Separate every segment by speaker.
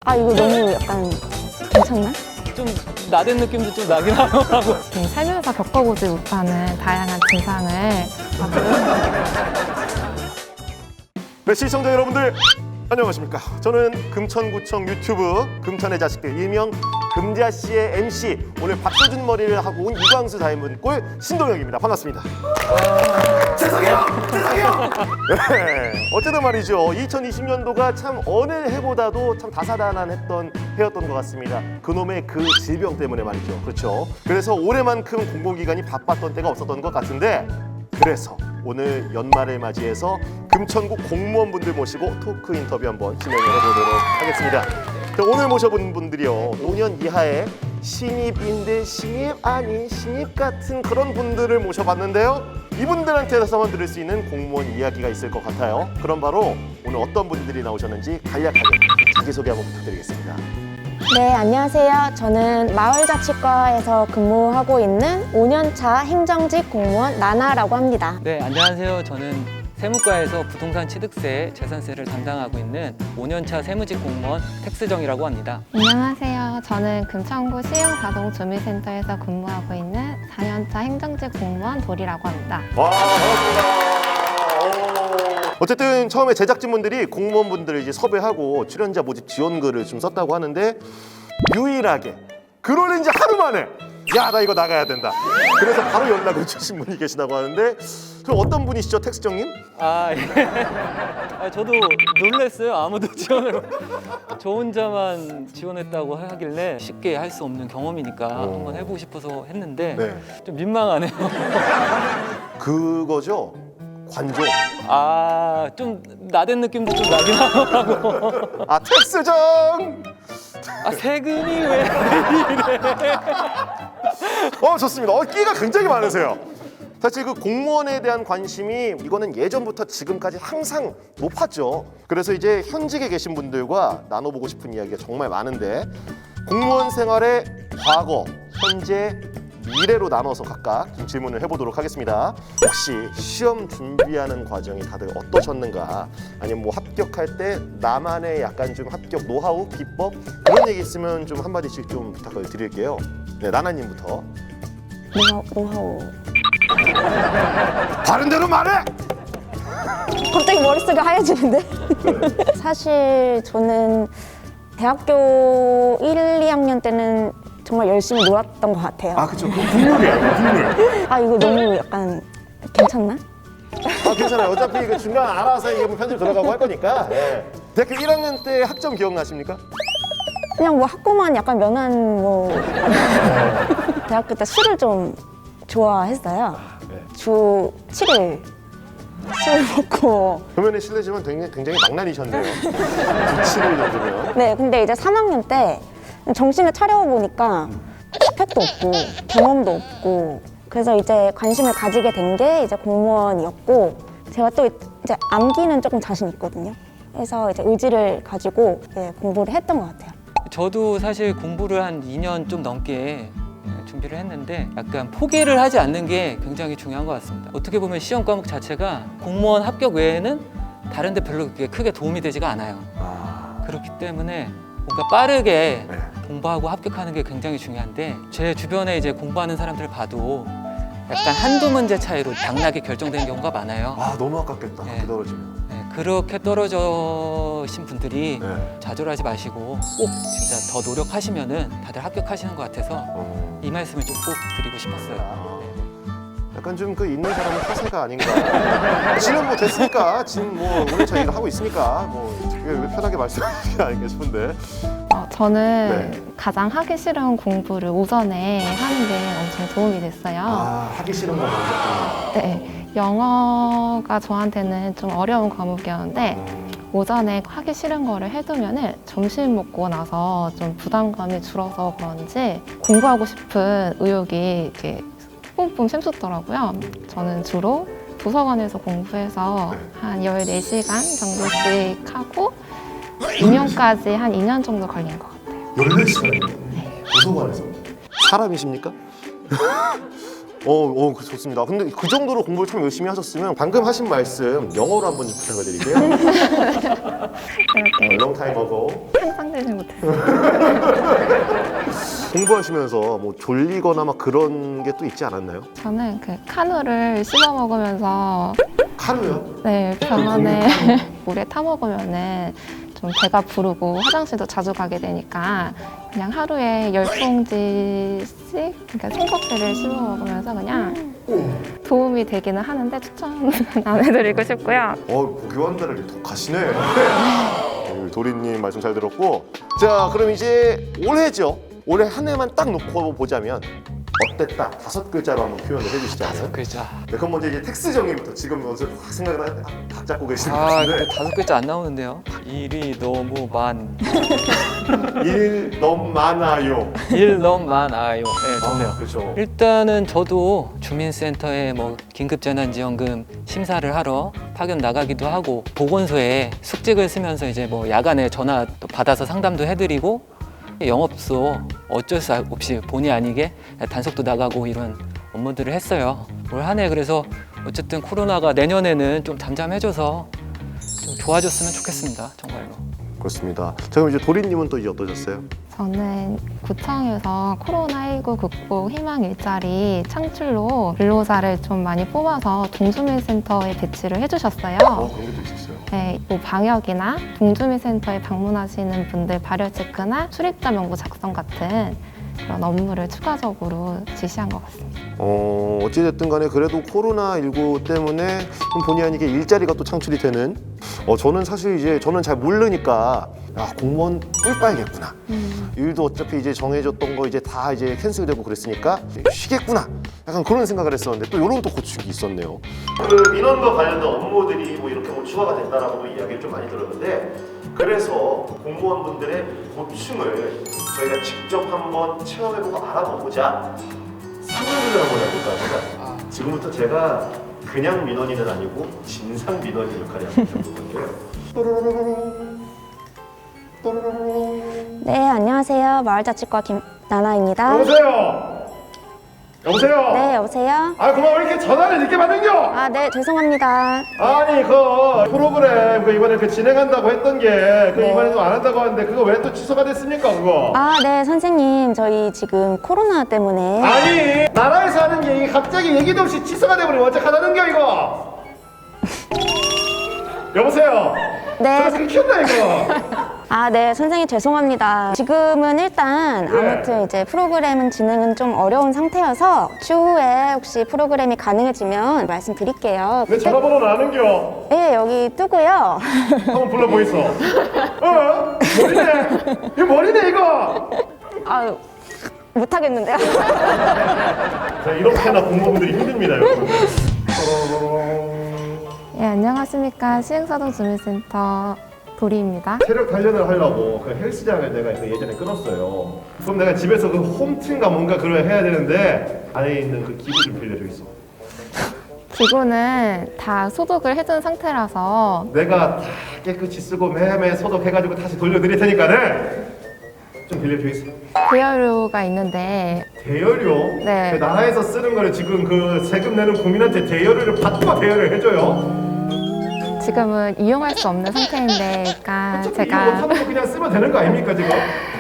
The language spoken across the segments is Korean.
Speaker 1: 아, 이거 너무 약간 괜찮나?
Speaker 2: 좀 나댄 느낌도 좀 나긴 하더라고.
Speaker 3: 살면서 겪어보지 못하는 다양한 증상을
Speaker 4: 네, 시청자 여러분들 안녕하십니까. 저는 금천구청 유튜브 금천의 자식들 일명 금자씨의 MC, 오늘 박서준 머리를 하고 온 이광수 닮은 꼴 신동혁입니다. 반갑습니다. 죄송해요. 네, 어쨌든 말이죠, 2020년도가 참 어느 해보다도 참 다사다난했던 해였던 것 같습니다. 그놈의 그 질병 때문에 말이죠. 그렇죠. 그래서 올해만큼 공공기관이 바빴던 때가 없었던 것 같은데, 그래서 오늘 연말을 맞이해서 금천구 공무원분들 모시고 토크 인터뷰 한번 진행을 해보도록 하겠습니다. 자, 오늘 모셔본 분들이요, 5년 이하의 신입인데 신입 아닌 신입 같은 그런 분들을 모셔봤는데요. 이분들한테서만 들을 수 있는 공무원 이야기가 있을 것 같아요. 그럼 바로 오늘 어떤 분들이 나오셨는지 간략하게 자기소개 한번 부탁드리겠습니다.
Speaker 1: 네, 안녕하세요. 저는 마을자치과에서 근무하고 있는 5년차 행정직 공무원 나나라고 합니다.
Speaker 2: 네, 안녕하세요. 저는 세무과에서 부동산 취득세, 재산세를 담당하고 있는 5년차 세무직 공무원 택스정이라고 합니다.
Speaker 3: 안녕하세요. 저는 금천구 시흥자동주민센터에서 근무하고 있는 4년차 행정직 공무원 도리라고 합니다.
Speaker 4: 와, 반갑습니다. 어쨌든 처음에 제작진분들이 공무원분들을 이제 섭외하고 출연자 모집 지원글을 좀 썼다고 하는데, 유일하게 그걸 이제 하루 만에 야, 나 이거 나가야 된다. 그래서 바로 연락을 주신 분이 계시다고 하는데, 그럼 어떤 분이시죠, 택스정님?
Speaker 2: 아, 예. 저도 놀랐어요. 아무도 지원을. 저 혼자만 지원했다고 하길래 쉽게 할 수 없는 경험이니까 한번 해보고 싶어서 했는데
Speaker 4: 네.
Speaker 2: 좀 민망하네요.
Speaker 4: 그거죠, 관종.
Speaker 2: 아, 좀 나댄 느낌도 좀 나긴 하더라고.
Speaker 4: 아, 택스정.
Speaker 2: 아, 세금이 왜 이래?
Speaker 4: 좋습니다. 끼가 굉장히 많으세요. 사실 그 공무원에 대한 관심이 이거는 예전부터 지금까지 항상 높았죠. 그래서 이제 현직에 계신 분들과 나눠보고 싶은 이야기가 정말 많은데, 공무원 생활의 과거, 현재, 미래로 나눠서 각각 좀 질문을 해보도록 하겠습니다. 혹시 시험 준비하는 과정이 다들 어떠셨는가, 아니면 뭐 합격할 때 나만의 약간 좀 합격 노하우, 비법 그런 얘기 있으면 좀 한마디씩 좀 부탁을 드릴게요. 네, 나나님부터.
Speaker 1: 노하우.
Speaker 4: 다른 대로 말해!
Speaker 1: 갑자기 머릿속이 하얘지는데? 사실 저는 대학교 1, 2학년 때는 정말 열심히 놀았던 것 같아요.
Speaker 4: 아, 그쵸. 그 국룰이에요, 국룰.
Speaker 1: 아, 이거 너무 약간 괜찮나?
Speaker 4: 아, 괜찮아요. 어차피 그 중간 알아서 이게 뭐 편집 들어가고 할 거니까. 예. 대학교 1학년 때 학점 기억나십니까?
Speaker 1: 그냥 뭐 학고만 약간 면한 뭐 대학교 때 술을 좀 좋아했어요.
Speaker 4: 네.
Speaker 1: 주 7일 술 먹고.
Speaker 4: 표면에 실례지만 굉장히 망나니셨네요. 7일 정도면.
Speaker 1: 네, 근데 이제 3학년 때 정신을 차려보니까 스펙도 없고 경험도 없고, 그래서 이제 관심을 가지게 된 게 이제 공무원이었고, 제가 또 이제 암기는 조금 자신 있거든요. 그래서 이제 의지를 가지고 공부를 했던 것 같아요.
Speaker 2: 저도 사실 공부를 한 2년 좀 넘게 준비를 했는데 약간 포기를 하지 않는 게 굉장히 중요한 것 같습니다. 어떻게 보면 시험 과목 자체가 공무원 합격 외에는 다른 데 별로 그렇게 크게 도움이 되지가 않아요. 그렇기 때문에 뭔가 빠르게 공부하고 합격하는 게 굉장히 중요한데, 제 주변에 이제 공부하는 사람들을 봐도 약간 한두 문제 차이로 당락이 결정되는 경우가 많아요.
Speaker 4: 아, 너무 아깝겠다.
Speaker 2: 네.
Speaker 4: 그렇게 떨어지면.
Speaker 2: 네, 그렇게 떨어지신 분들이
Speaker 4: 네.
Speaker 2: 좌절하지 마시고 꼭 진짜 더 노력하시면은 다들 합격하시는 것 같아서 이 말씀을 좀 꼭 드리고 싶었어요.
Speaker 4: 약간 좀 그 있는 사람은 허세가 아닌가. 지금 뭐 됐으니까, 지금 뭐 오늘 저희가 하고 있으니까 뭐 편하게 말씀하시는 게 아닌가 싶은데.
Speaker 3: 저는
Speaker 4: 네.
Speaker 3: 가장 하기 싫은 공부를 오전에 하는 게 엄청 도움이 됐어요.
Speaker 4: 아, 하기 싫은 거 먼저.
Speaker 3: 네, 영어가 저한테는 좀 어려운 과목이었는데 오전에 하기 싫은 거를 해두면은 점심 먹고 나서 좀 부담감이 줄어서 그런지 공부하고 싶은 의욕이 이렇게 뿜뿜 샘솟더라고요. 저는 주로 도서관에서 공부해서 한 14시간 정도씩 하고 2년까지 한 2년 정도 걸린 것 같아요.
Speaker 4: 14시간이요? 도서관에서? 사람이십니까? 좋습니다. 근데 그 정도로 공부를 참 열심히 하셨으면 방금 하신 말씀 영어로 한번 좀 부탁을 드릴게요.
Speaker 3: 그렇게
Speaker 4: Long time ago.
Speaker 3: 상상되지 못했어요.
Speaker 4: 공부하시면서 뭐 졸리거나 막 그런 게 또 있지 않았나요?
Speaker 3: 저는 그 카누를 씹어 먹으면서
Speaker 4: 카누요?
Speaker 3: 네, 병원에 물에 타 먹으면은 좀 배가 부르고 화장실도 자주 가게 되니까 그냥 하루에 10봉지씩 그러니까 생커피를 씹어 먹으면서 그냥 도움이 되기는 하는데 추천 안 해드리고 싶고요.
Speaker 4: 교환자를 더 가시네. 도리님 말씀 잘 들었고, 자 그럼 이제 올해죠. 올해 한 해만 딱 놓고 보자면 어땠다? 5글자로 한번 표현을 해주시자면.
Speaker 2: 글자.
Speaker 4: 네, 그럼 먼저 이제 텍스 정리부터 지금 먼저 확 생각을 각 잡고 계시는 것
Speaker 2: 아,
Speaker 4: 같은데.
Speaker 2: 근데 5글자 안 나오는데요. 일이 너무
Speaker 4: 일 너무 많아요.
Speaker 2: 일 너무 많아요. 네, 좋네요.
Speaker 4: 그렇죠.
Speaker 2: 일단은 저도 주민센터에 뭐 긴급재난지원금 심사를 하러 파견 나가기도 하고 보건소에 숙직을 쓰면서 이제 뭐 야간에 전화 또 받아서 상담도 해드리고 영업소 어쩔 수 없이 본의 아니게 단속도 나가고 이런 업무들을 했어요. 올 한 해 그래서 어쨌든 코로나가 내년에는 좀 잠잠해져서 좀 좋아졌으면 좋겠습니다. 정말로.
Speaker 4: 그렇습니다. 자 그럼 이제 도리님은 또 이제 어떠셨어요?
Speaker 3: 저는 구청에서 코로나19 극복 희망 일자리 창출로 근로자를 좀 많이 뽑아서 동주민센터에 배치를 해주셨어요.
Speaker 4: 그런 게 또 있었어요.
Speaker 3: 네, 뭐 방역이나 동주민센터에 방문하시는 분들 발열 체크나 출입자 명부 작성 같은 그런 업무를 추가적으로 지시한 것 같습니다.
Speaker 4: 어찌됐든 간에 그래도 코로나19 때문에 좀 본의 아니게 일자리가 또 창출이 되는 저는 사실 이제 저는 잘 모르니까 공무원 꿀 빠야겠구나. 일도 어차피 이제 정해졌던 거 이제 다 이제 캔슬되고 그랬으니까 이제 쉬겠구나. 약간 그런 생각을 했었는데 또 이런 또 고충이 있었네요. 그 민원과 관련된 업무들이 뭐 이렇게 뭐 추가가 됐다라고도 이야기를 좀 많이 들었는데 그래서 공무원분들의 고충을 저희가 직접 한번 체험해보고 알아보고자 상담을 한번 해볼까 합니다. 지금부터 제가 그냥 민원인은 아니고 진상 민원인 역할을 한번 해볼 건데요.
Speaker 1: 네, 안녕하세요. 마을자치과 김나나입니다.
Speaker 4: 여보세요. 여보세요.
Speaker 1: 네, 여보세요?
Speaker 4: 그만 왜 이렇게 전화를 늦게 받는겨?
Speaker 1: 아, 네, 죄송합니다.
Speaker 4: 아니 그 프로그램 그 이번에 그 진행한다고 했던 게
Speaker 1: 네.
Speaker 4: 이번에도 안 한다고 하는데 그거 왜 또 취소가 됐습니까 그거?
Speaker 1: 아, 네, 선생님. 저희 지금 코로나 때문에.
Speaker 4: 아니 나라에서 하는 게 이게 갑자기 얘기도 없이 취소가 돼버리면 어떡하다는겨 이거? 여보세요.
Speaker 1: 네.
Speaker 4: 저 끊겼나 이거?
Speaker 1: 아, 네, 선생님 죄송합니다. 지금은 일단 아무튼 이제 프로그램은 진행은 좀 어려운 상태여서 추후에 혹시 프로그램이 가능해지면 말씀드릴게요.
Speaker 4: 내 전화번호는 아는겨?
Speaker 1: 네, 여기 뜨고요.
Speaker 4: 한번 불러보이소. 머리네. 이거 머리네 이거.
Speaker 1: 아유, 못하겠는데요?
Speaker 4: 자, 이렇게나 공무원들이 힘듭니다 여러분.
Speaker 3: 네, 안녕하십니까. 시흥사동 주민센터 도리입니다.
Speaker 4: 체력 단련을 하려고 그 헬스장을 내가 그 예전에 끊었어요. 그럼 내가 집에서 그 홈트인가 뭔가 그걸 해야 되는데 안에 있는 그 기구 좀 빌려줘 있어.
Speaker 3: 기구는 다 소독을 해둔 상태라서
Speaker 4: 내가 다 깨끗이 쓰고 매매 소독해가지고 다시 돌려드릴 테니까는 좀 빌려줘 있어.
Speaker 3: 대여료가 있는데
Speaker 4: 대여료?
Speaker 3: 네.
Speaker 4: 그 나라에서 쓰는 거를 지금 그 세금 내는 국민한테 대여료를 받고 대여를 해줘요.
Speaker 3: 지금은 이용할 수 없는 상태인데 그러니까
Speaker 4: 어차피 이거
Speaker 3: 제가
Speaker 4: 못하는 거 그냥 쓰면 되는 거 아닙니까 지금?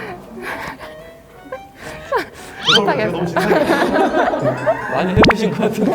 Speaker 3: 못하겠어요.
Speaker 4: 너무 진상이야.
Speaker 2: 많이 해보신 것 같은데.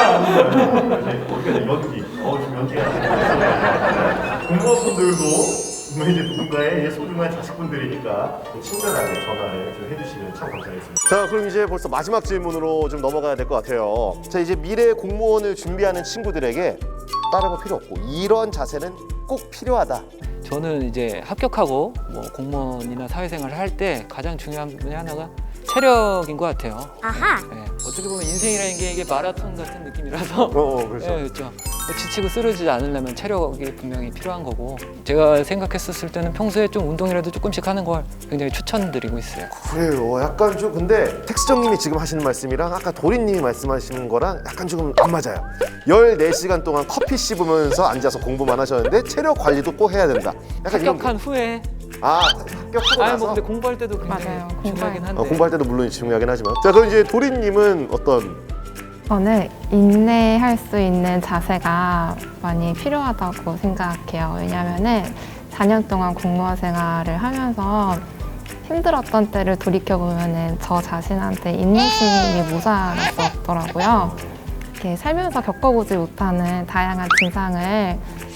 Speaker 4: 이게 연기. 지금 연기가. 공무원분들도 이제 누군가의 소중한 자식분들이니까 친절하게 전화를 좀 해주시면 참 감사하겠습니다. 자, 그럼 이제 벌써 마지막 질문으로 좀 넘어가야 될 것 같아요. 자, 이제 미래 공무원을 준비하는 친구들에게 다른 거 필요 없고 이런 자세는 꼭 필요하다.
Speaker 2: 저는 이제 합격하고 뭐 공무원이나 사회생활을 할 때 가장 중요한 분이 하나가 체력인 것 같아요.
Speaker 1: 아하.
Speaker 2: 네, 어떻게 보면 인생이라는 게 이게 마라톤 같은 느낌이라서
Speaker 4: 그렇죠.
Speaker 2: 네, 그렇죠. 지치고 쓰러지지 않으려면 체력이 분명히 필요한 거고 제가 생각했었을 때는 평소에 좀 운동이라도 조금씩 하는 걸 굉장히 추천드리고 있어요.
Speaker 4: 그래요. 약간 좀 근데 텍스정님이 지금 하시는 말씀이랑 아까 도리님이 말씀하시는 거랑 약간 조금 안 맞아요. 14시간 동안 커피 씹으면서 앉아서 공부만 하셨는데 체력 관리도 꼭 해야 된다. 약간 이런
Speaker 2: 합격한 후에
Speaker 4: 합격하고
Speaker 2: 아니
Speaker 4: 나서
Speaker 2: 뭐 근데 공부할 때도 굉장히
Speaker 3: 맞아요.
Speaker 2: 중요하긴 한데
Speaker 4: 공부할 때도 물론 중요하긴 하지만 자 그럼 이제 도리님은 어떤
Speaker 3: 저는 인내할 수 있는 자세가 많이 필요하다고 생각해요. 왜냐하면은 4년 동안 공무원 생활을 하면서 힘들었던 때를 돌이켜보면은 저 자신한테 인내심이 모자랐었더라고요. 이렇게 살면서 겪어보지 못하는 다양한 증상을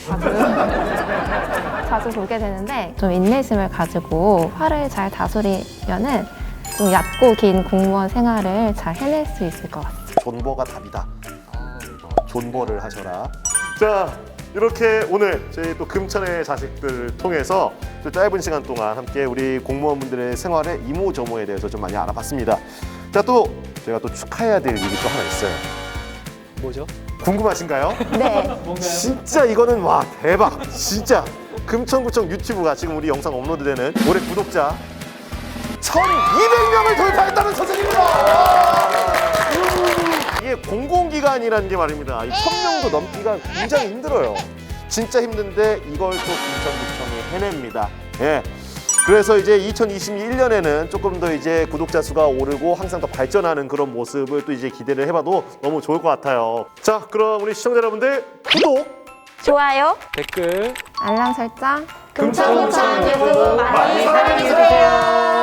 Speaker 3: 자주 보게 되는데 좀 인내심을 가지고 화를 잘 다스리면은 좀 얕고 긴 공무원 생활을 잘 해낼 수 있을 것 같아요.
Speaker 4: 존버가 답이다. 존버를 하셔라. 자, 이렇게 오늘 저희 또 금천의 자식들을 통해서 좀 짧은 시간 동안 함께 우리 공무원분들의 생활의 이모저모에 대해서 좀 많이 알아봤습니다. 자, 또 제가 또 축하해야 될 일이 또 하나 있어요.
Speaker 2: 뭐죠?
Speaker 4: 궁금하신가요?
Speaker 1: 네.
Speaker 4: 진짜 이거는 와 대박. 진짜 금천구청 유튜브가 지금 우리 영상 업로드되는 올해 구독자 1,200명을 돌파했다는 소식입니다. 이게 공공기관이라는 게 말입니다. 이 1,000명도 넘기가 굉장히 힘들어요. 진짜 힘든데 이걸 또 금천구청이 해냅니다. 예. 그래서 이제 2021년에는 조금 더 이제 구독자 수가 오르고 항상 더 발전하는 그런 모습을 또 이제 기대를 해봐도 너무 좋을 것 같아요. 자, 그럼 우리 시청자 여러분들 구독,
Speaker 1: 좋아요.
Speaker 2: 댓글
Speaker 3: 알람 설정
Speaker 1: 금천구청 유튜브 많이 사랑해주세요.